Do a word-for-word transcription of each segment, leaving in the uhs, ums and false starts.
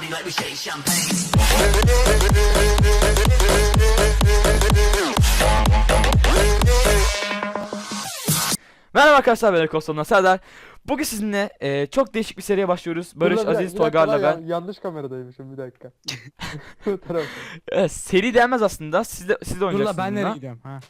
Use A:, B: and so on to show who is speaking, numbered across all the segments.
A: Merhaba arkadaşlar, ben Koston'dan Serdar. Bugün sizinle e, çok değişik bir seriye başlıyoruz. Barış,
B: Dur, dur,
A: Aziz,
B: bir dakika
A: Toygar'la
B: lan,
A: ben.
B: ya- yanlış kameradaymışım, bir dakika. Bu taraf.
A: Evet, seri denmez aslında. Siz de, siz de
C: Dur
A: oynayacaksınız
C: la ben nereye
A: bununla.
C: gidiyorum ha?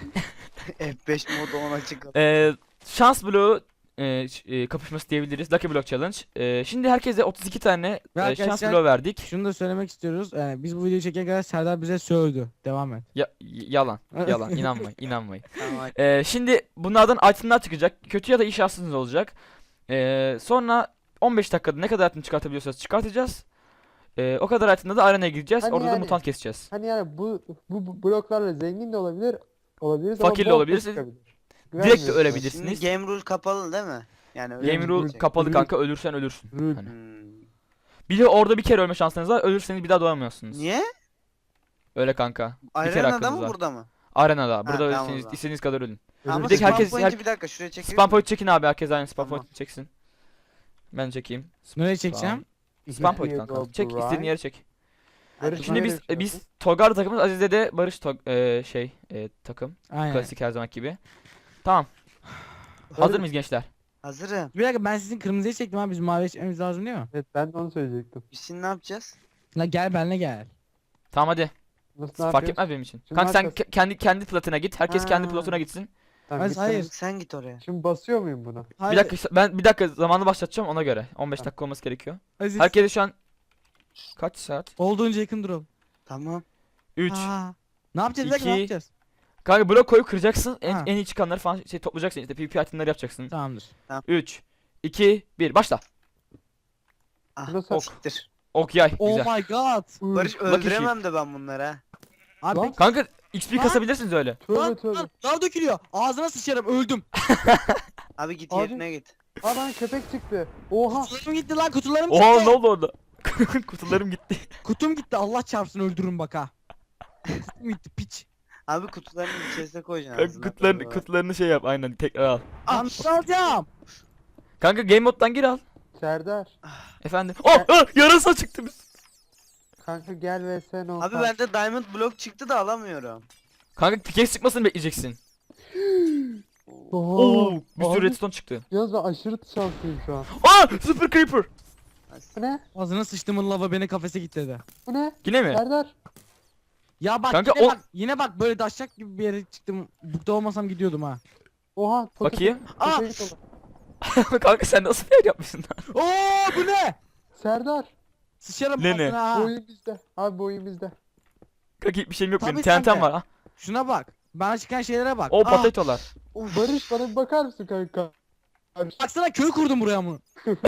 D: F beş modu ona açık.
A: E, şans bloğu e, ş- e, kapışması diyebiliriz. Lucky Block Challenge. E, şimdi herkese otuz iki tane
C: Ve
A: e, şans
C: arkadaşlar-
A: bloğu verdik.
C: Şunu da söylemek istiyoruz. Ee, biz bu videoyu çeken kadar Serdar bize sövdü. Devam et.
A: Ya, y- yalan, yalan. İnanmayın, inanmayın.
D: Tamam.
A: E, şimdi bunlardan itemler çıkacak. Kötü ya da iyi şansınız olacak. E, sonra on beş dakikada ne kadar item çıkartabiliyorsanız çıkartacağız. E, o kadar itemda da arenaya gideceğiz.
B: Hani
A: Orada da
B: yani-
A: mutant keseceğiz.
B: Hani yani bu, bu bu bloklarla zengin de olabilir, olabiliriz
A: Fakir de
B: ama bol
A: olabiliriz.
B: çıkabilir.
A: Direkt de
B: Güvenmiyorum.
A: ölebilirsiniz.
D: Şimdi game rule kapalı değil mi? Yani öyle
A: Game
D: mi
A: rule
D: diyecek?
A: kapalı
C: Rule-
A: kanka, ölürsen ölürsün.
C: Rule.
A: Hani.
D: Hmm.
A: Bir de orada bir kere ölme şansınız var. Ölürseniz bir daha doğamıyorsunuz.
D: Niye?
A: Öyle kanka. Bir kere
D: Arenada
A: hakkınız
D: mı
A: var.
D: burada mı?
A: Arenada. Burada
D: tamam o
A: ölürseniz
D: zaman.
A: istediğiniz kadar ölün.
D: Ama
A: Bir de
D: spam
A: herkes-
D: point'i
A: her-
D: bir dakika şuraya çekelim.
A: Spam point çekin abi, herkes aynı spam
D: Tamam.
A: point çeksin. Ben çekeyim.
C: Nereye çekeceğim?
A: Spam point
B: Here
A: kanka.
B: go
A: Çek
B: Brian.
A: istediğin yere çek.
B: Barış
A: Şimdi
B: nereye
A: biz
B: çıkıyorsun?
A: biz Toygar takımız, Aziz'de de Barış Tog e, şey e, takım.
C: Aynen.
A: Klasik her zaman gibi. Tamam. Hazır mıyız gençler?
D: Hazırım.
C: Bir dakika ben sizin kırmızıyı çektim abi. Biz maviye çekmemiz lazım değil mi?
B: Evet, ben de onu söyleyecektim.
D: Biz şimdi ne yapacağız?
C: La gel benle gel.
A: Tamam hadi.
B: Nasıl, ne
A: Fark
B: yapıyoruz?
A: etmez benim için.
B: Şimdi
A: Kanka
B: ne
A: sen
B: yapacağız?
A: ke- kendi kendi platına git. Herkes kendi
D: Ha.
A: platına gitsin.
B: Tamam,
C: Hayır,
B: gittim.
C: hayır.
D: Sen git oraya.
B: Şimdi basıyor muyum buna?
C: Hayır.
A: Bir dakika ben bir dakika zamanı başlatacağım ona göre. on beş
B: Tamam.
A: dakika olması gerekiyor.
C: Aziz.
A: Herkese şu an kaç saat?
C: Olduğunca yakın duralım.
D: Tamam.
A: üç.
C: Aa. Ne yapacağız? Bir dakika ne
A: iki.
C: yapacağız?
A: Kanka blok koyup kıracaksın. En,
C: Ha.
A: en iyi çıkanları falan şey toplayacaksın, işte PvP itemleri yapacaksın.
C: Tamamdır.
A: üç iki bir başla.
D: Ah,
B: Nasıl?
A: Ok.
D: siktir.
A: Ok yay
C: Oh
A: güzel.
C: my god.
D: Barış
B: Uy,
D: öldüremem de ben bunları ha.
C: Abi
B: Lan.
C: peki-
A: Kanka X P
C: Lan.
A: kasabilirsiniz öyle.
B: Tövbe
C: lan,
B: tövbe.
C: lan, lav dökülüyor. Ağzına sıçarım öldüm.
D: Abi git
B: Abi.
D: yerine git.
B: Aa, bana köpek çıktı. Oha.
C: Kutularım gitti lan kutularım
A: Oha
C: gitti.
A: ne oldu orada? Kutularım gitti.
C: Kutum gitti Allah çarpsın öldürürüm bak ha. Kutum gitti piç.
D: Abi kutularını içerisine koyacaksın
A: Kanka
D: ağzına.
A: kutularını, kutularını şey yap aynen, tekrar al.
C: Lan ne alacağım?
A: Kanka game moddan gir al.
B: Serdar.
A: Efendim. Oh, oh yarasa çıktı biz.
B: Kanka gel ve sen ol.
D: Abi bende diamond block çıktı da alamıyorum.
A: Kanka pickaxe çıkmasını bekleyeceksin.
B: Oha.
A: Oo, bir sürü
B: Abi,
A: redstone çıktı.
B: Yalnız ben aşırı şanslıyım şu an.
A: Aa, super creeper.
B: Bu ne?
C: Ağzına sıçtımın lava beni kafese kilitledi.
B: Bu ne?
A: Yine mi?
B: Serdar.
C: Ya bak
A: Kanka
C: yine
A: o-
C: bak yine bak böyle daşacak gibi bir yere çıktım. Burada olmasam gidiyordum ha.
B: Oha. poket-
A: Bakayım.
C: Aa!
B: köpeği kola.
A: Kanka sen nasıl bir yer yapmışsın lan?
C: Oo bu ne?
B: Serdar.
C: Sıçarım
A: Ne ne?
C: ağzına ha.
B: Bu oyun bizde. Abi bu oyun bizde.
A: Kanka bir şeyim yok
C: Tabii
A: benim.
C: sen
A: T N T'm
C: de.
A: var ha.
C: Şuna bak. Bana çıkan şeylere bak.
A: O
C: Aa,
A: patatolar.
B: Barış bana bir bakar mısın kanka? Barış.
C: baksana köy kurdum buraya mı?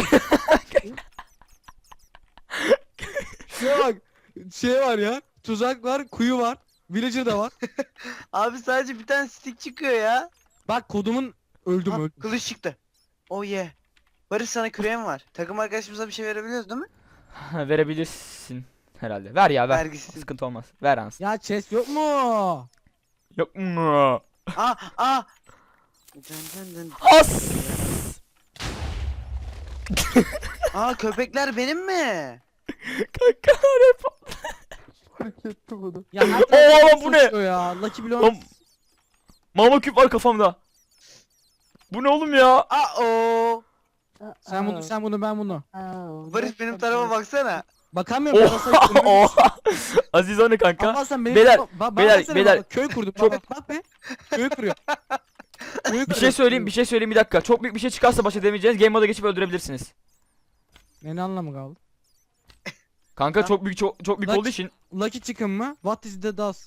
C: Şuna bak. Şey var ya. Tuzak var, kuyu var. Villager da var.
D: Abi sadece bir tane stick çıkıyor ya.
C: Bak kodumun öldüm
D: Ha,
C: öldüm.
D: kılıç çıktı. Oh yeah. Barış sana küreğim var. Takım arkadaşımıza bir şey verebiliyoruz değil mi?
A: Verebilirsin herhalde. Ver ya ver.
D: Vergisiz.
A: Sıkıntı olmaz. Ver ans.
C: Ya chest yok mu?
A: Yok mu?
D: Aa aa. Dın dın dın.
A: As.
D: Aa köpekler benim mi?
A: Kanka rap.
B: Fark ettim bunu.
C: Ya her
A: Oo,
C: tarafı
A: bu ne?
C: sıçıyor ya. Lucky Block.
A: Lan, mama küp var kafamda. Bu ne oğlum ya?
D: Aa o.
C: Sen bunu sen bunu ben bunu.
D: Barış benim tarafa baksana.
C: Bakamıyorum ya.
A: Oha, oha. Aziz o ne kanka?
C: Ama sen benim
A: Beyler,
C: bak, bak,
A: beyler,
C: baksana
A: beyler.
C: bak, köy kurdum.
A: Çok-
C: Bak, bak be. Köy kuruyor. Köy
A: Bir
C: kuruyor.
A: şey söyleyeyim, bir şey söyleyeyim bir dakika. Çok büyük bir şey çıkarsa baş edemeyeceğiniz game moda geçip öldürebilirsiniz.
C: Ne, ne anlamı kaldı?
A: Kanka
D: Ha?
A: çok büyük çok, çok büyük
C: Lan-
A: olduğu için.
C: Lucky chicken mı? What is the dust?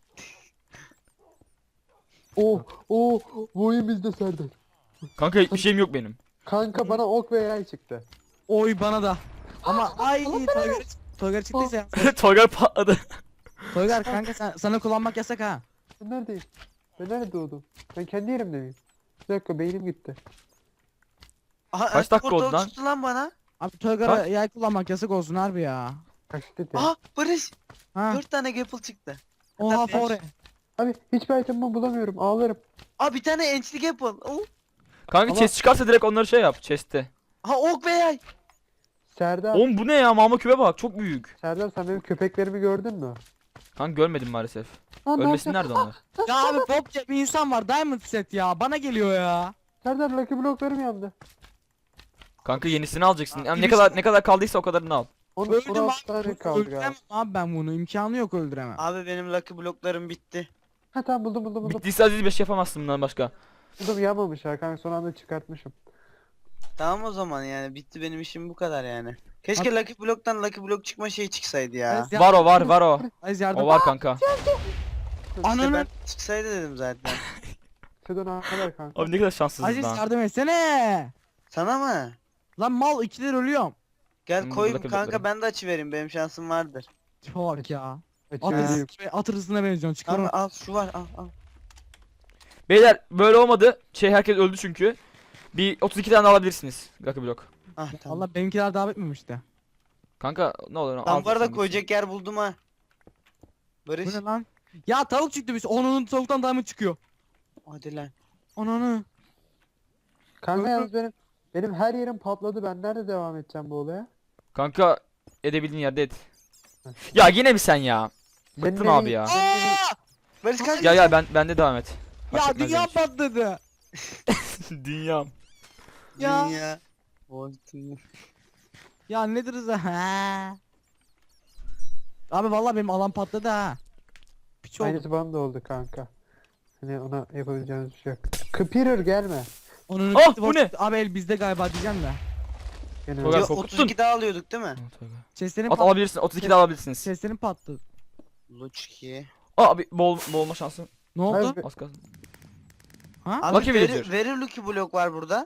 B: Oh oh bu oyun bizde Serdar.
A: Kanka hiçbir şeyim yok benim.
B: Kanka bana ok ve yay çıktı.
C: Oy bana da. Ama ay Toygar Toygar çıktıysa ya.
A: Toygar patladı.
C: Toygar kanka sen, sana kullanmak yasak ha.
B: Ben neredeyim? Ben nerede doğdum? Ben kendi yerimde miyim? Bir dakika beynim gitti.
D: Aha,
A: Kaç dakika
D: portal
A: oldu lan?
D: tuttu lan bana.
C: Abi Toygar'a yay kullanmak yasak olsun harbi ya.
B: Kaç dedi?
D: Aha Barış.
C: Ha.
D: Dört tane gapple çıktı.
C: Oha
D: beş.
C: fore.
B: Abi hiçbir item'ımı bulamıyorum ağlarım.
D: Aa bir tane enchli gapple. Oh.
A: Kanka
B: Ama-
A: chest çıkarsa direkt onları şey yap chest'te.
D: Ha ok ve yay.
B: Serdar,
A: Oğlum bu ne ya? Mama küpe bak çok büyük.
B: Serdar sen benim köpeklerimi gördün mü?
A: Kanka görmedim maalesef.
B: Lan ne
A: Ölmesin
B: yapacağım?
A: nerede onlar?
C: Ya abi Bob diye bir insan var. Diamond set ya. Bana geliyor ya.
B: Serdar Lucky bloklarım yandı.
A: Kanka yenisini alacaksın.
C: Aa,
A: Yani ne
C: birisi-
A: kadar ne kadar kaldıysa o kadarını al.
B: on
C: Öldüm
B: on altı tane
C: abi.
B: kaldı
C: Öldüremem
B: galiba.
C: abi ben bunu. İmkanı yok öldüremem.
D: Abi benim lucky bloklarım bitti.
B: Ha tamam buldum buldum buldum.
A: Bittiyse Aziz bir şey yapamazsın bundan başka.
B: Buldum yanmamış ha kanka son anda çıkartmışım.
D: Tamam o zaman yani bitti benim işim bu kadar yani. Keşke lucky bloktan lucky blok çıkma şey çıksaydı ya.
C: Evet, ya-
A: Var o var var o.
C: Aziz yardım.
A: O var kanka.
D: İşte
C: Ananı-
D: ben çıksaydı dedim zaten.
B: Sedon ne kadar kanka?
A: Abi ne kadar şanssızız
C: Aziz
A: lan.
C: yardım etsene.
D: Sana mı?
C: Lan mal ikiler ölüyorum.
D: Gel
A: Hmm,
D: koyayım
A: lucky
D: kanka
A: blokları.
D: ben de açıvereyim benim şansım vardır.
C: Çok ya. At
B: Açıvereyim.
C: hırsızına, at hırsızına benziyorsun. Çıkar
D: Tamam
C: onu.
D: al şu var al al.
A: Beyler böyle olmadı. Şey herkes öldü çünkü. Bir otuz iki tane alabilirsiniz. Lucky block.
D: Ah tamam.
C: Allah benimkiler davet etmemişti.
A: Kanka ne olur al.
D: Ben bu arada
A: sen
D: koyacak yer buldum ha.
C: Bu
D: Barış.
C: ne lan? Ya tavuk çıktı biz. Onun tavuktan diamond çıkıyor.
D: Hadi lan.
C: Ananı.
B: Kanka yalnız benim benim her yerim patladı. Ben nerede devam edeceğim bu olaya?
A: gitsin. Kanka edebildiğin yerde et. Ya yine mi sen ya?
B: Senin
A: Bıktım
B: evin-
A: abi ya.
C: Aa!
D: Barış kaç.
A: Gel gel ben bende devam et. Fark
C: Ya
A: etmez
C: dünya
A: benim için.
C: patladı.
A: Dünyam.
C: Ya.
D: Dünya. Oy, dünya.
C: Ya nedir hızı? Ha. Abi vallahi benim alan patladı ha. Piç oldu.
B: Aynısı bana da oldu kanka. Hani ona yapabileceğimiz bir şey yok. Kıpırır gelme.
C: Onun
A: Ah, bu ne?
C: Abi el bizde galiba diyeceğim de.
B: Gene
A: Togar
D: Ya,
A: korkuttun.
D: otuz iki daha alıyorduk değil mi?
C: Chestlerin
A: At
C: pat
A: alabilirsin. otuz iki de alabilirsiniz.
C: Chestlerin patladı.
D: Luçki.
A: Abi bol boğulma şansın.
C: Ne oldu?
B: Abi,
A: Az kalsın.
C: Ha?
D: Abi
A: Lucky
D: veri,
A: villager.
D: veri lucky blok var burada.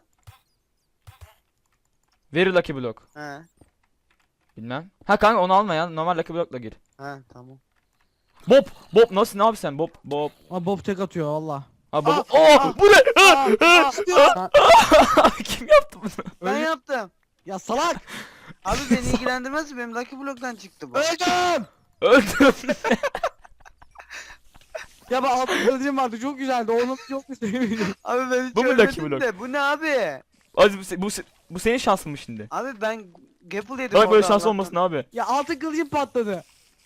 A: Very lucky block.
D: He.
A: Bilmem. Ha kanka onu alma ya. Normal lucky block'la gir.
D: Ha tamam.
A: Bob. Bob nasıl ne abi sen? Bob. Bob.
C: Aa, Bob tek atıyor valla.
A: Ha Bob.
D: Ah,
A: Oh
D: ah,
A: bu ne?
D: ah, ah,
B: Ka-
A: Kim yaptı bunu?
D: Ben
C: Öyle-
D: yaptım.
C: Ya salak!
D: Abi beni ilgilendirmez ki benim lucky bloktan çıktı bu.
C: Öldüm!
A: Öldüm.
C: Ya ben altın kılıcım vardı çok güzeldi onu çok istedim.
D: Abi ben hiç
A: Bu mu
D: ölmedim
A: lucky blok?
D: de. Bu ne abi?
A: Aziz bu, se- bu, se- bu senin şansın mı şimdi?
D: Abi ben Gapple yedim
A: Bak böyle
D: orada
A: şans
D: Allah'tan.
A: olmasın abi.
C: Ya altın kılıcım patladı.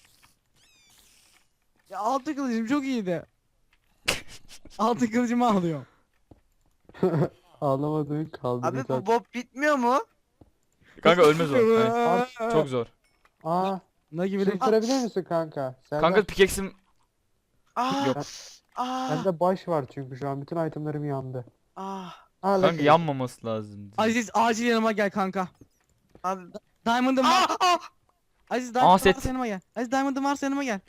C: Ya altın kılıcım çok iyiydi. altın kılıcımı alıyorum.
B: Ağlamadığın kaldı.
D: Abi
B: güzel.
D: bu bob bitmiyor mu?
A: Kanka ölmez o. Hani çok zor.
B: Aa,
C: Ne gibi
B: şey sorabilir misin kanka? Serdar,
A: Kanka pickaxe'im
D: Ah.
A: Yok.
D: Ah.
B: bende baş var çünkü şu an bütün itemlerim yandı.
D: Ah.
B: Aa,
A: kanka
B: Lucky.
A: yanmaması lazım.
C: Aziz acil yanıma gel kanka.
D: Abi.
C: Diamond'ım var.
D: Ah. Ah.
C: Aziz Diamond'ım
A: set.
C: varsa yanıma gel. Aziz Diamond'ım varsa yanıma gel.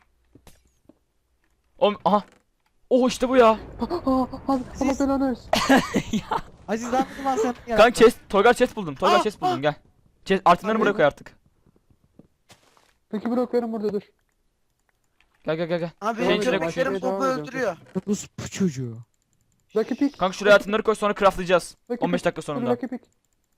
A: Oğlum aha. Oh işte bu ya.
B: Aa, abi Allah belanı versin.
C: Aziz Diamond'ım varsa yanıma gel.
A: Kanka chest, Toygar chest buldum. Toygar
D: Ah,
A: chest buldum gel. Chest, altınları buraya koy artık.
B: Peki bloklarım burada dur.
A: Gel gel gel gel.
D: Abi
A: Şey
D: benim
A: içine
D: köpeklerim
B: koy.
D: bobu öldürüyor.
C: Bu bu çocuğu.
B: Lucky pick.
A: Kanka şuraya altınları koy sonra craftlayacağız.
B: Lucky
A: on beş
B: pick.
A: dakika
B: Dur,
A: sonunda.
B: Lucky pick.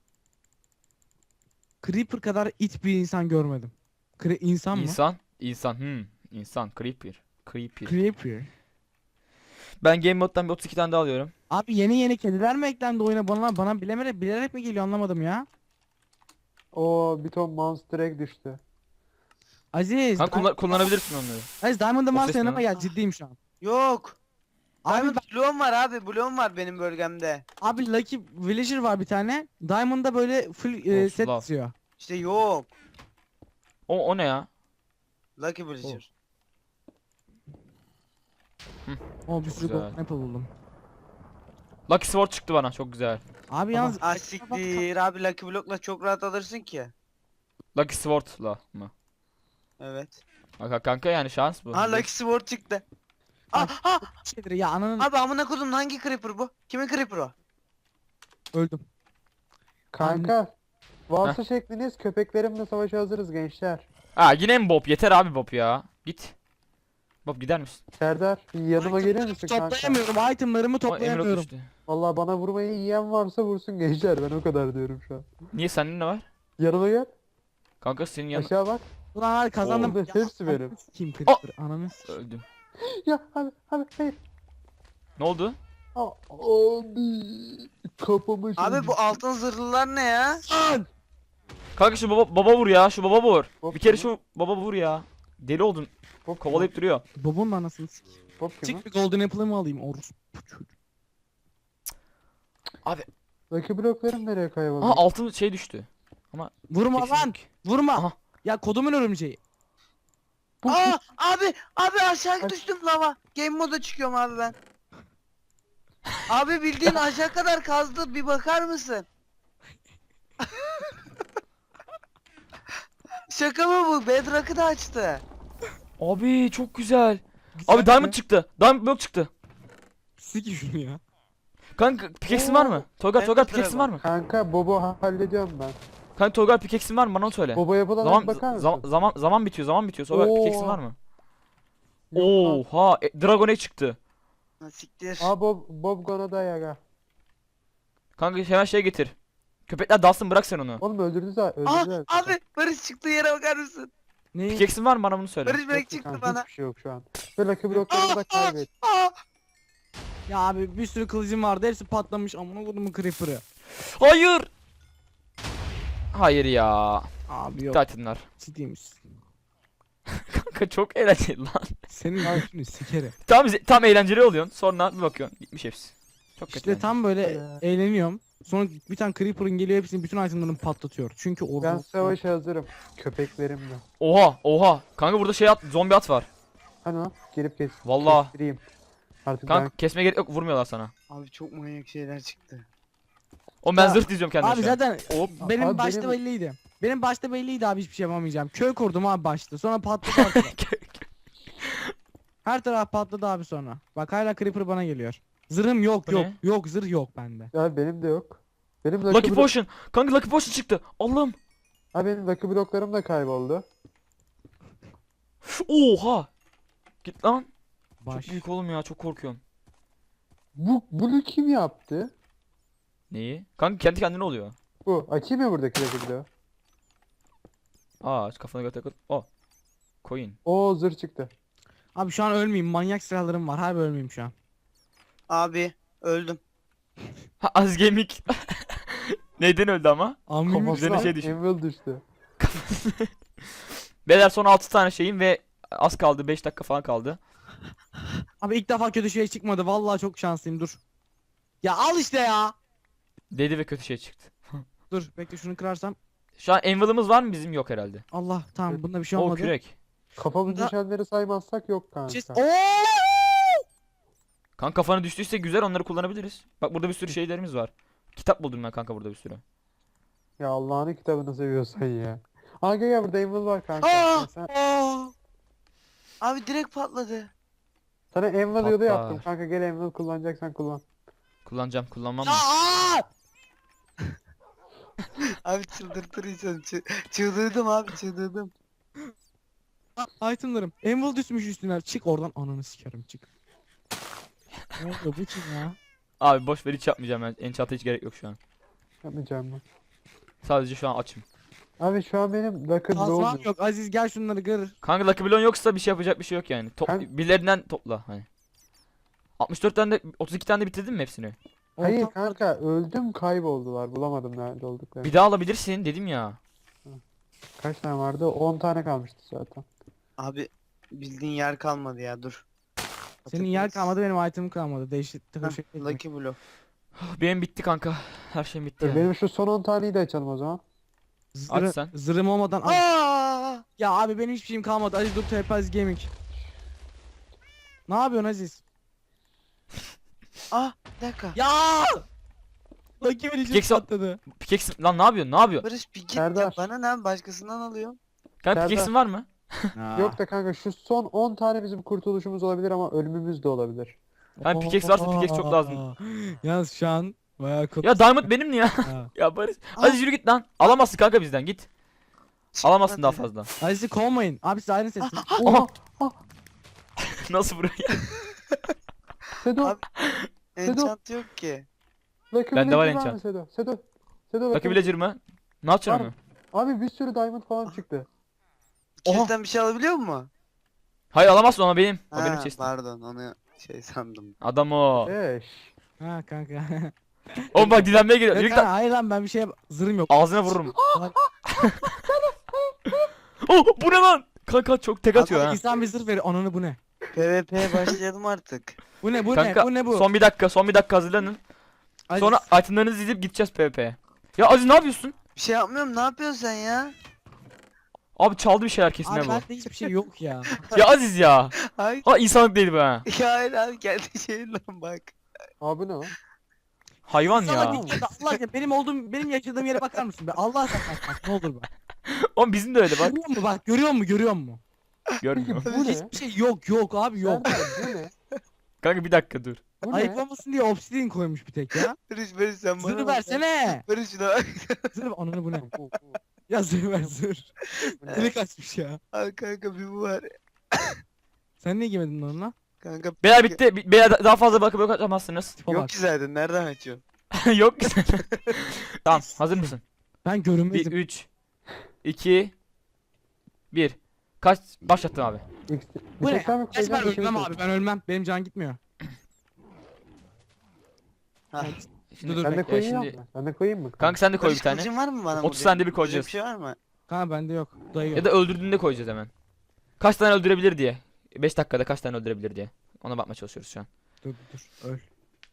C: Creeper kadar it bir insan görmedim. Kre insan mı?
A: İnsan, insan. Hmm, insan. Creeper. Creeper.
C: Creeper.
A: Ben game moddan bir otuz iki tane daha alıyorum.
C: Abi yeni yeni kediler mi eklendi oyuna bana bana bilemere bilerek mi geliyor anlamadım ya.
B: Oo bir ton monster egg düştü.
C: Aziz.
A: Kanka kullan- kullanabilirsin onları.
C: Aziz Diamond'ım
A: O
C: varsa
A: ses ne
C: yanıma
A: lan?
C: gel ciddiyim şu an.
D: Yok.
C: Abi,
D: Diamond
C: bak-
D: bloğum var abi. Bloğum var benim bölgemde.
C: abi Lucky Villager var bir tane. Diamond'da böyle full e,
A: Olsun
C: set
A: lan.
C: istiyor.
D: İşte yok.
A: O, o ne ya?
D: Lucky Villager.
C: O bir sürü
A: Güzel.
C: golden apple buldum.
A: Lucky Sword çıktı bana çok güzel.
C: Abi yalnız
D: Ah siktir abi Lucky Block'la çok rahat alırsın ki.
A: Lucky Sword'la mı?
D: Evet.
A: Kanka, kanka yani şans bu.
D: Ha Lucky Sword çıktı. Ah ah.
C: şeydir ya ananın
D: Abi amına kodum hangi creeper bu? Kimin creeper o?
C: öldüm.
B: Kanka. Varsa şekliniz köpeklerimle savaşa hazırız gençler.
A: Ha yine mi Bob? Yeter abi Bob ya. Git. Bob gider misin?
B: Serdar yanıma gelir misin kanka?
C: Toplayamıyorum itemlarımı
A: O Emerald
C: toplayamıyorum.
A: düştü.
B: Vallahi bana vurmayı yiyen varsa vursun gençler ben o kadar diyorum şu an.
A: Niye sende ne var?
B: Yanıma gel.
A: Kanka senin yanına
B: Aşağı bak.
C: Ulan hadi kazandım.
B: Oo, hepsi benim.
C: Kim creeper ananı s-
A: öldüm.
B: Ya abi abi hayır.
A: Ne oldu?
B: Aa, abi kafamı
D: Abi bu altın zırhlılar ne ya?
C: Lan!
A: Kanka şu baba baba vur ya. Şu baba vur.
B: Bob
A: Bir kere
B: kim
A: şu baba vur ya. Deli oldun.
B: Bob kim
A: Kovalayıp duruyor.
C: Babamın anasını sik.
B: o? Bob kim
C: Çık
B: o?
C: bir golden apple'ımı alayım Orus.
B: Lucky bloklarım nereye kayboldu?
A: Aha altın şey düştü.
C: Vurma
A: Eksik.
C: lan. Vurma.
A: Aha.
C: Ya kodumun örümceği.
B: Bu-
D: Aa abi abi aşağı
B: Ay.
D: düştüm lava. Game moda çıkıyorum abi ben. Abi bildiğin aşağı kadar kazdı, bir bakar mısın? Şaka mı bu? Bedrock'ı da açtı.
A: Abi çok güzel.
C: Güzel
A: Abi diamond
C: mi?
A: çıktı. Diamond block çıktı.
C: Sik şunu ya.
A: Kanka pickaxe'in var mı? Toygar
D: Ben
A: Toygar
D: de
A: pickaxe'in
D: dragon.
A: var mı?
B: Kanka Bob'u ha- hallediyorum ben.
A: Kanka Toygar pickaxe'in var mı? Bana onu söyle.
B: Bob'a yapılan
A: Zaman
B: bakar mısın?
A: zaman zaman zaman bitiyor. Zaman bitiyor. Toygar
B: Oo.
A: pickaxe'in var mı?
B: Yok lan.
A: Oha, e, Dragon Egg çıktı.
D: Ha, siktir.
B: Aa Bob, Bob gonna die aga.
A: Kanka hemen şey getir. Köpekler dalsın, bırak sen onu.
B: Oğlum öldürdü zaten.
D: Aa
B: Öldürdü
D: abi Barış çıktığı yere bakar mısın?
C: Ne?
A: Pickaxe'in var mı? Bana bunu söyle.
D: Barış Bey çıktı bana.
B: Hiçbir şey yok şu an. Ve Lucky bloklarımı da kaybettim.
D: Aa,
C: Ya abi bir sürü kılıcım vardı. Hepsi patlamış. Amına kodumun creeper'ı.
A: Hayır. Hayır ya.
C: Abi yok.
A: Titanlar.
C: Ciddi misin?
A: Kanka çok eğlenceli lan.
C: Senin götünü sikerim.
A: Tam tam eğlenceli oluyorsun. Sonra bir bakıyorsun gitmiş hepsi. Çok kötü.
C: İşte
A: yani.
C: tam böyle
B: Ya.
C: eğleniyorum. Sonra bir tane creeper'ın geliyor hepsini bütün itemlarını patlatıyor. Çünkü
B: Ben
C: orada
B: savaşa hazırım. Köpeklerimle.
A: Oha oha. Kanka burada şey at, zombi at var.
B: Hani o? Gelip kes.
A: Vallahi.
B: Kestireyim. Artık
A: Kanka kesmeye gerek yok, vurmuyorlar sana.
D: abi çok manyak şeyler çıktı.
A: O ben
C: Ya,
A: zırh diziyorum kendime
C: Abi
A: şu an.
C: zaten
A: Hop.
C: benim
B: Abi
C: başta
B: benim-
C: belliydi. Benim başta belliydi abi hiçbir şey yapamayacağım. Köy kurdum abi başta. Sonra patladı ortada. Her taraf patladı abi sonra. Bak hala creeper bana geliyor. Zırhım yok
A: Bu
C: yok.
A: ne?
C: Yok zırh yok bende.
B: Ya benim de yok. Benim Lucky,
A: Lucky
B: blok-
A: Potion. Kanka Lucky Potion çıktı. Allah'ım.
B: Ha benim Lucky bloklarım da kayboldu.
A: Oha. Git lan.
C: Baş.
A: Çok büyük oğlum ya, çok korkuyorum.
B: Bu bunu kim yaptı?
A: Neyi? Kanka kendi kendine oluyor.
B: Bu. Açayım mı buradaki Lucky bloğu?
A: Aa kafana göre takıl. Oh. Coin.
B: Oo zırh çıktı.
C: Abi şu an ölmeyeyim. Manyak silahlarım var. Harbi ölmeyeyim şu an.
D: Abi öldüm.
A: Ha az gaming. Neyden öldü ama?
C: Amim
A: Üzerine
B: Kafasına
A: şey düştü.
B: Anvil düştü.
A: Beyler son altı tane şeyim ve az kaldı, beş dakika falan kaldı.
C: Abi ilk defa kötü şey çıkmadı. Vallahi çok şanslıyım. Dur. Ya al işte ya.
A: Dedi ve kötü şey çıktı.
C: Dur bekle şunu kırarsam.
A: Şu an anvil'ımız var mı? Bizim yok herhalde.
C: Allah tamam bunda bir şey
A: O
C: olmadı.
A: kürek.
B: Kafamız
C: Bunda-
B: düşenleri saymazsak yok kanka.
C: Çiz- Oo!
A: Kanka kafana düştüyse güzel, onları kullanabiliriz. Bak burada bir sürü şeylerimiz var. Kitap buldum ben kanka burada bir sürü.
B: Ya Allah'ın kitabını seviyorsan ya. Aa gel gel burada Anvil var kanka.
D: Aa!
B: Sen,
D: Aa! Abi direkt patladı.
B: sana Anvil yolu
A: Patlar.
B: yaptım kanka, gel Anvil kullanacaksan kullan.
A: Kullanacağım, kullanmam
C: Ya
A: mı?
C: aa!
D: Abi çıldırtır insanı. Çı- çıldırdım abi çıldırdım.
C: Aa, itemlarım. Anvil düşmüş üstüne. Çık oradan ananı sikerim çık. Ne oluyor bu kim ya?
A: Abi boş ver, hiç yapmayacağım ben. Enchant'a hiç gerek yok şu an.
B: Yapmayacağım ben.
A: Sadece şu an açım.
B: Abi şu an benim Lucky
C: Kazmam
B: bloğum
C: yok. Aziz gel şunları kır.
A: Kanka Lucky Block'un yoksa bir şey yapacak bir şey yok yani. Top,
B: Kanka-
A: birilerinden topla hani. altmış dört tane de otuz iki tane de bitirdin mi hepsini?
B: Hayır
C: Ortam-
B: kanka, öldüm kayboldular, bulamadım nerede olduklarını.
A: Bir daha alabilirsin dedim ya.
B: Kaç tane vardı? on tane kalmıştı zaten.
D: Abi bildiğin yer kalmadı ya dur.
C: Senin yer
D: Patates.
C: kalmadı benim itemim kalmadı. Değişik takır
D: Heh,
C: şey. değil.
D: Lucky Block.
A: Benim bitti kanka. Her şeyim bitti
B: Dur,
A: yani.
B: benim şu son on taneyi de açalım o zaman.
C: Zırı,
A: Aç sen.
C: Zırhım olmadan al.
D: Aa!
C: Ya abi benim hiçbir şeyim kalmadı. Aziz dur T P Aziz Gaming. Ne yapıyorsun Aziz?
D: Ah bir dakika.
C: Ya! Lucky Villager
A: Pickaxe al-
C: patladı.
A: Pickaxe lan ne yapıyorsun? Ne yapıyorsun?
D: Barış bir git
B: Serdar.
D: ya bana ne başkasından alıyorum.
A: Kanka
B: Serdar.
A: pickaxe'in var mı?
B: Yok da kanka şu son on tane bizim kurtuluşumuz olabilir ama ölümümüz de olabilir.
A: Kanka pickaxe varsa pickaxe çok lazım.
C: Yalnız şu an bayağı kötü.
A: Ya diamond benim ya.
C: Ha.
A: Ya Barış.
D: Aa.
A: Hadi yürü git lan. Alamazsın kanka bizden, git. Alamazsın daha
D: Çıkmadı.
A: fazla.
C: Aziz'i kovmayın. Abi siz ayrı seçin.
A: Oha. Nasıl buraya?
B: Sedo,
D: Abi- Enchant yok ki.
B: Lucky
A: Bende var
B: Villager mı
A: enchant.
B: Sedo? Sedo. Sedo
A: Lucky
B: Lucky
A: Villager mı? Ne yapacaksın
B: Var
A: onu?
B: Abi bir sürü diamond falan çıktı.
A: Oha.
D: İkinizden bir şey alabiliyor mu?
A: Hayır alamazsın, ama benim. O
D: Ha,
A: benim chest'im.
D: pardon onu şey sandım.
A: Adam o.
B: Eş.
C: Ha kanka.
A: Oğlum bak dilenmeye geliyor. Yürü
C: Yok
A: git
C: kanka,
A: lan.
C: hayır lan ben bir şey zırhım yok.
A: Ağzına vururum. Oh bu ne lan? Kanka çok tek atıyor ha.
C: İnsan bir zırh verir. Ananı bu ne?
D: PvP'ye başlayalım artık.
C: Bu ne bu
A: Kanka
C: ne bu ne bu?
A: son bir dakika son bir dakika hazırlanın.
C: Aziz,
A: Sonra itemlerinizi dizip gideceğiz PvP'ye. Ya Aziz ne yapıyorsun?
D: Bir şey yapmıyorum, ne yapıyorsun sen ya?
A: Abi çaldı bir şeyler kesin
C: abi
A: ha bu.
C: bende hiçbir şey yok ya.
A: Ya Aziz ya.
D: Hayır.
A: Ha insanlık değil bu ha.
D: Ya hayır abi, kendi şeyinden bak.
B: Abi ne lan?
A: Hayvan
C: Sana
A: ya.
C: bir kere de Allah aşkına benim olduğum benim yaşadığım yere bakar mısın be? Allah aşkına bak ne olur bak.
A: Oğlum bizim de öyle bak.
C: Görüyor musun bak görüyor musun görüyor musun?
A: Görmüyor.
B: Bu ne?
C: Hiçbir şey yok yok abi yok.
B: Serdar, bu ne?
A: Kanka bir dakika dur.
B: Bu ne?
C: Ayıklamasın diye obsidian koymuş bir tek ya.
D: Barış Barış sen bana
C: Zırh
D: bak.
C: versene.
D: Barış şuna bak.
C: Zırh ananı bu ne?
B: Oh, oh, oh.
C: Ya zırh ver zırh.
B: Bu ne?
C: Deli kaçmış ya.
D: Abi kanka bir bu var.
C: Sen niye giymedin lan onunla?
D: Kanka
A: Beyler bitti. Bi- Beyler daha fazla bakıp yok atamazsınız.
C: Tipe
D: yok
C: bak.
D: ki zaten, nereden açıyorsun?
A: Yok ki. Tamam hazır mısın?
C: Ben
A: Bir
C: görünmezim.
A: üç iki bir. Kaç başlattım abi.
B: X-
C: Bu
B: bir
C: ne?
B: tek sen mi
C: Geç ben
B: koyacaksın,
C: ölmem
B: ikimiz mi?
C: abi ben ölmem. Benim can gitmiyor.
D: Ha.
A: Şimdi
C: Dur,
B: Ben de
A: bekle,
B: koyayım
A: şimdi-
B: mı? Ben de koyayım mı?
A: Kanka sen de koy
D: Barış
A: bir tane.
D: kılıcın var mı bana?
A: otuz
D: vuracak?
A: tane de bir
D: Vuracak
A: koyacağız.
D: Bir şey var mı?
C: Kanka bende yok. Dayı yok.
A: Ya da öldürdüğünde koyacağız hemen. Kaç tane öldürebilir diye. beş dakikada kaç tane öldürebilir diye. Ona bakmaya çalışıyoruz şu an.
C: Dur dur öl.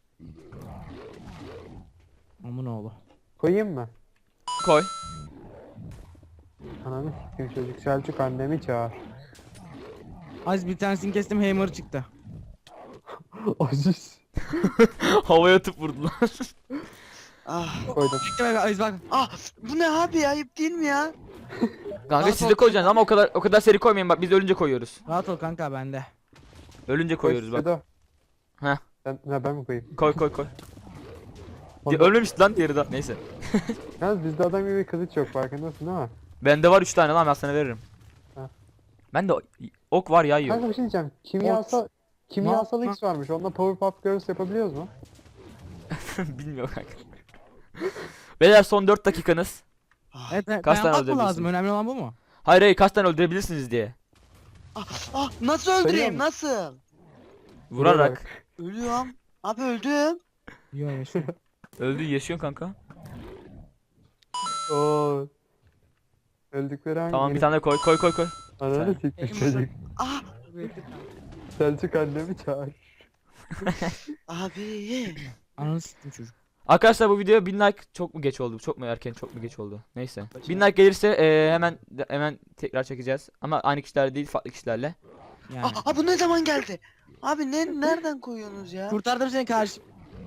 C: Aman oğlu.
B: Koyayım mı?
A: Koy.
B: Ananı sikeyim çocuk. Selçuk annemi çağır.
C: Az bir tanesini kestim hammer çıktı.
B: Aziz.
A: Havaya atıp vurdular.
D: Ah.
B: Koydum.
C: Bekle bekle Aziz bak.
D: Ah bu ne abi, ayıp değil mi ya?
A: Kanka
C: Rahat
A: siz
C: ol.
A: de koyacaksınız ama o kadar o kadar seri koymayın bak biz ölünce koyuyoruz.
C: Rahat ol kanka bende.
A: Ölünce koyuyoruz bak.
B: Sedo.
A: Heh.
B: Sen, ha, ben mi koyayım?
A: Koy koy koy.
B: Onda-
A: Ölmemişti lan diğeri de. Neyse.
B: Yalnız bizde adam gibi bir kılıç yok, farkındasın değil mi?
A: Bende var üç tane lan ben sana veririm.
B: Ha.
A: Ben de ok var ya yiyor.
B: Kanka bir şey diyeceğim. Kimyasal kimyasal
C: Ne
B: X varmış. Onunla Powerpuff Girls yapabiliyoruz mu?
A: Bilmiyorum kanka. Beyler son dört dakikanız.
D: Ah,
C: Evet, evet
A: Kaç tane
C: dayanmak mı
A: öldürebilirsin?
C: lazım? Önemli olan bu mu?
A: Hayır hayır kaç tane öldürebilirsiniz diye.
D: ah, ah, nasıl
B: Sayıyor
D: öldüreyim,
B: mu?
D: nasıl?
A: Vurarak.
D: Ölüyorum. Abi öldüm.
C: Yok yaşıyor.
A: Öldü yaşıyorsun kanka.
B: Oo. Öldükleri hangi?
A: Tamam bir tane koy koy koy koy.
B: Ananı sikmiş
C: Elim
B: çocuk.
D: Ah
B: Selçuk annemi çağır.
D: abi.
C: Ananı siktim çocuk.
A: Arkadaşlar bu video bin like çok mu geç oldu? Çok mu erken çok mu geç oldu? Neyse. bin like gelirse e, hemen hemen tekrar çekeceğiz. Ama aynı kişiler değil farklı kişilerle.
C: Yani.
D: Ah, ah bu ne zaman geldi? Abi ne nereden koyuyorsunuz ya?
C: Kurtardım seni karşı.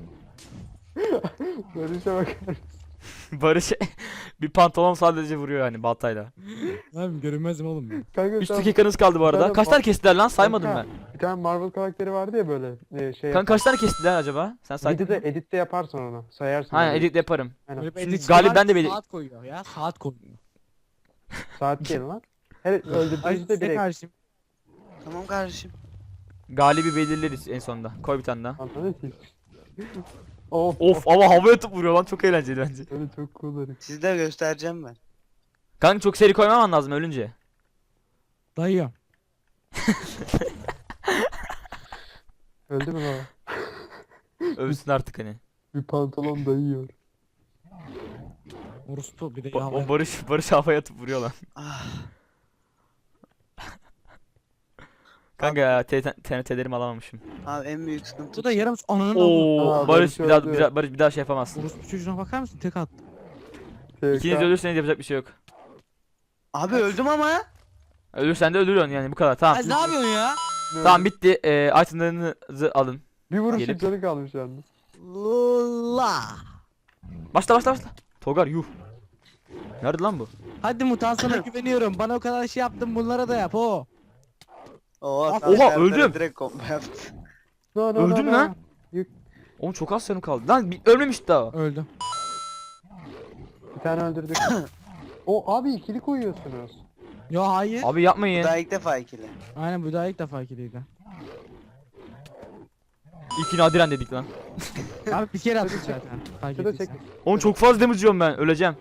B: Barış'a bakar.
A: Barış bir pantolon sadece vuruyor yani baltayla.
C: Abi görünmezim oğlum ben.
B: Kanka
A: üç
B: sen-
A: dakikanız kaldı bu arada.
B: Zaten
A: Kaç
B: ba-
A: tane kestiler lan saymadım
B: Kanka,
A: ben.
B: Bir tane Marvel karakteri vardı ya böyle e, şey
A: Kanka kaç tane kestiler acaba? Sen say.
B: Editte, editte yaparsın onu. Sayarsın.
A: Aynen
B: onu.
A: edit yaparım.
B: Aynen.
C: Böyle bir
A: Siz
C: edit
A: galip
C: var,
A: ben de bir-
C: saat koyuyor ya saat koyuyor.
B: Saat değil lan. Her
C: Ay
B: öldürdüğünüzde
C: size
B: bir ek.
C: karşıyım.
D: Tamam kardeşim.
A: Galibi belirleriz en sonunda. Koy bir tane daha.
B: Anladın ki. Of
A: Of ama havaya atıp vuruyor lan çok eğlenceli bence.
B: Öyle çok cool herif.
D: Sizde göstereceğim ben.
A: Kanka çok seri koymaman lazım ölünce.
C: Dayıyorum.
B: Öldü mü baba?
A: Ölsün artık hani.
B: Bir pantolon dayıyor.
C: Orospu bir de
A: Ba-
C: ya.
A: o Barış Barış havaya atıp vuruyor lan.
D: Ah.
A: Kanka ya T N T'lerimi alamamışım.
D: Abi en büyük sıkıntı.
C: Bu da yarım ananın amı.
A: Oo
B: Aa,
A: Barış
B: Barış
A: bir daha,
B: öldü.
A: bir daha Barış bir daha şey yapamazsın.
C: Orospu çocuğuna bakar mısın? Tek attı.
A: İkiniz
B: T K.
A: ölürseniz yapacak bir şey yok.
D: Abi öldüm ama.
A: Ölürsen de ölüyorsun yani bu kadar tamam.
C: Ay ne yapıyorsun ya?
B: Ne
A: Tamam
B: oldu?
A: bitti. Ee, itemlarınızı alın.
B: Bir vuruşun
A: Gelip-
B: canı kalmış yalnız.
C: La.
A: Başla başla başla. Togar yuh. Nerede lan bu?
C: Hadi mutant sana güveniyorum. Bana o kadar şey yaptın bunlara da yap o.
D: Oo,
C: Oha,
D: tam Serdar'a
A: öldüm.
D: Direkt kombo yaptı.
B: No, no,
A: Öldün
B: no,
A: lan.
B: no.
A: Oğlum çok az canım kaldı. Lan bir- ölmemiş daha.
C: Öldüm.
B: Bir tane öldürdük. O abi ikili koyuyorsunuz.
C: Yo hayır.
A: Abi yapmayın.
D: Daha ilk defa ikili.
C: Aynen bu daha ilk defa ikiliydi.
A: İlki nadiren dedik lan.
C: Abi bir kere attık zaten. Fark
B: Sedo
C: ettiysen.
B: çek.
A: Oğlum çok fazla damage yiyorum ben. Öleceğim.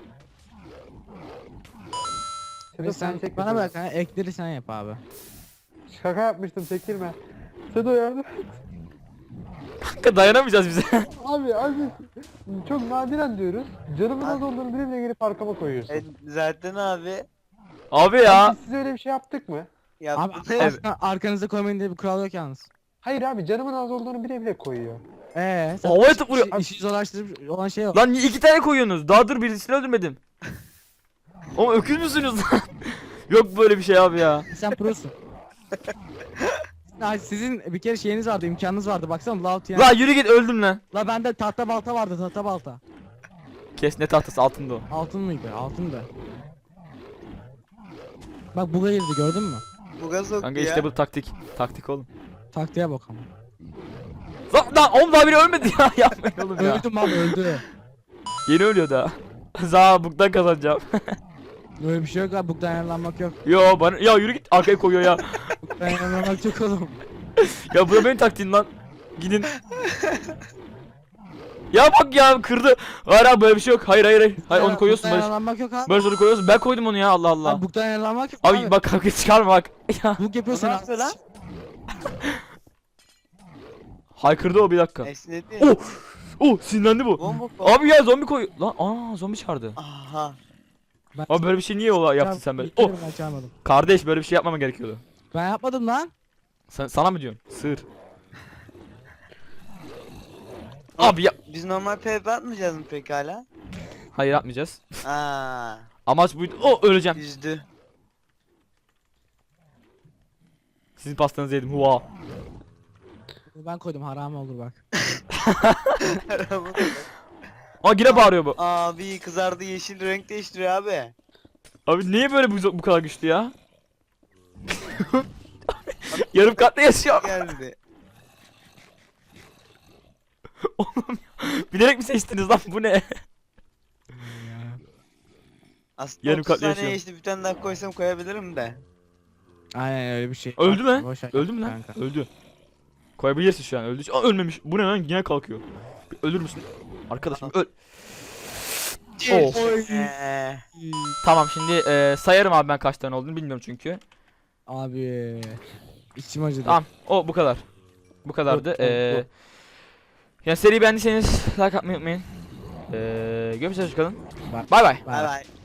B: Sedo
C: Ve
B: sen
C: sen
B: çek.
C: bana bak ha ekleri sen yap abi.
B: Şaka yapmıştım, çektirme. Sedo yardım.
A: dakika dayanamayacağız bize.
B: Abi abi çok nadiren diyoruz. Canımın az olduğunu bile bile gelip arkama koyuyorsun.
D: E, zaten abi
A: Abi ya.
B: Biz size öyle bir şey yaptık mı?
C: Abi
D: yaptın.
C: arka- arkanıza koymayın diye bir kural yok yalnız.
B: Hayır abi canımın az olduğunu bile bile koyuyor.
C: Eee sen
A: Havaya atıp vuruyor.
C: işi, işi zorlaştırıp olan şey yok.
A: Lan niye iki tane koyuyorsunuz? Daha dur birisini öldürmedim. Oğlum öküz müsünüz lan? Yok böyle bir şey abi ya.
C: Sen prosun. Ya sizin bir kere şeyiniz vardı, imkanınız vardı. Baksana lav yani.
A: La yürü git öldüm lan.
C: La bende tahta balta vardı, tahta balta.
A: Kes ne tahtası altında o.
C: Altın mıydı? Altındı. Bak buga girdi gördün mü?
D: Buga soktu
A: Kanka
D: ya.
A: işte bu taktik. Taktik oğlum.
C: Taktiğe bak ama.
A: Lan lan oğlum daha biri ölmedi ya. Yapmayın oğlum ya.
C: Öldüm abi öldü.
A: Yeni ölüyor daha. Za buktan kazanacağım.
C: Böyle bir şey yok abi, bugdan ayarlanmak yok.
A: Yo bana ya yürü git arkaya koyuyor ya.
C: Bugdan ayarlanmak yok oğlum.
A: Ya bu da benim taktiğim lan. Gidin. Ya bak ya kırdı. Hayır abi böyle bir şey yok. Hayır hayır hayır. Hayır onu koyuyorsun
C: Bugdan
A: Barış.
C: ayarlanmak yok abi.
A: Barış onu koyuyorsun. Ben koydum onu ya Allah Allah.
C: Abi bugdan ayarlanmak yok
A: Abi
C: abi.
A: bak kavga çıkarma bak. Ya.
C: Bug
D: O
C: yapıyorsun
D: ne
C: abi.
D: yapıyor lan?
A: Haykırdı o bir dakika.
D: Esnedi.
A: Oh! Oh sinirlendi bu.
D: Bomba bomba.
A: Abi ya zombi koy. Lan aa zombi çağırdı.
D: Aha.
C: Ben
A: Abi böyle bir şey niye ola yaptın sen böyle?
C: Oh.
A: Oh!
C: Ben çağırmadım.
A: Kardeş böyle bir şey yapmama gerekiyordu.
C: Ben yapmadım lan.
A: Sen, sana mı diyorsun? Sığır. Abi ya.
D: Biz normal PvP atmayacağız mı peki hala?
A: Hayır yapmayacağız.
D: Aa,
A: Amaç buydu. Oh öleceğim.
D: yüzdü.
A: Sizin pastanızı yedim. Hua.
C: Ben koydum, haram olur bak.
A: Aa yine bağırıyor bu.
D: Abi kızardı, yeşil renk değiştiriyor abi.
A: Abi niye böyle bu, bu kadar güçlü ya? Yarım katta yaşıyor.
D: Geldi.
A: Oğlum ya. Bilerek mi seçtiniz lan bu ne?
D: Aslında
A: Yarım
D: otuz
A: katlı
D: saniye
A: yaşıyor.
D: işte bir tane daha koysam koyabilirim de.
C: Aynen öyle bir şey.
A: Öldü
C: Bak,
A: mü?
C: boş ver
A: Öldü mü lan?
C: kanka.
A: Öldü. Koyabilirsin şu an öldü. Aa ölmemiş. Bu ne lan? Yine kalkıyor. Bir ölür müsün? Arkadaşım öl. Of.
D: Eee.
A: Tamam şimdi e, sayarım abi ben kaç tane olduğunu bilmiyorum çünkü.
C: Abi içim acıdı.
A: Tamam o bu kadar. Bu kadardı.
C: Dur, tamam,
A: Ee,
C: dur.
A: yani seriyi beğendiyseniz like atmayı unutmayın. Ee, görüşürüz çıkalım.
C: Bye.
A: Bay bay.
D: Bay bay.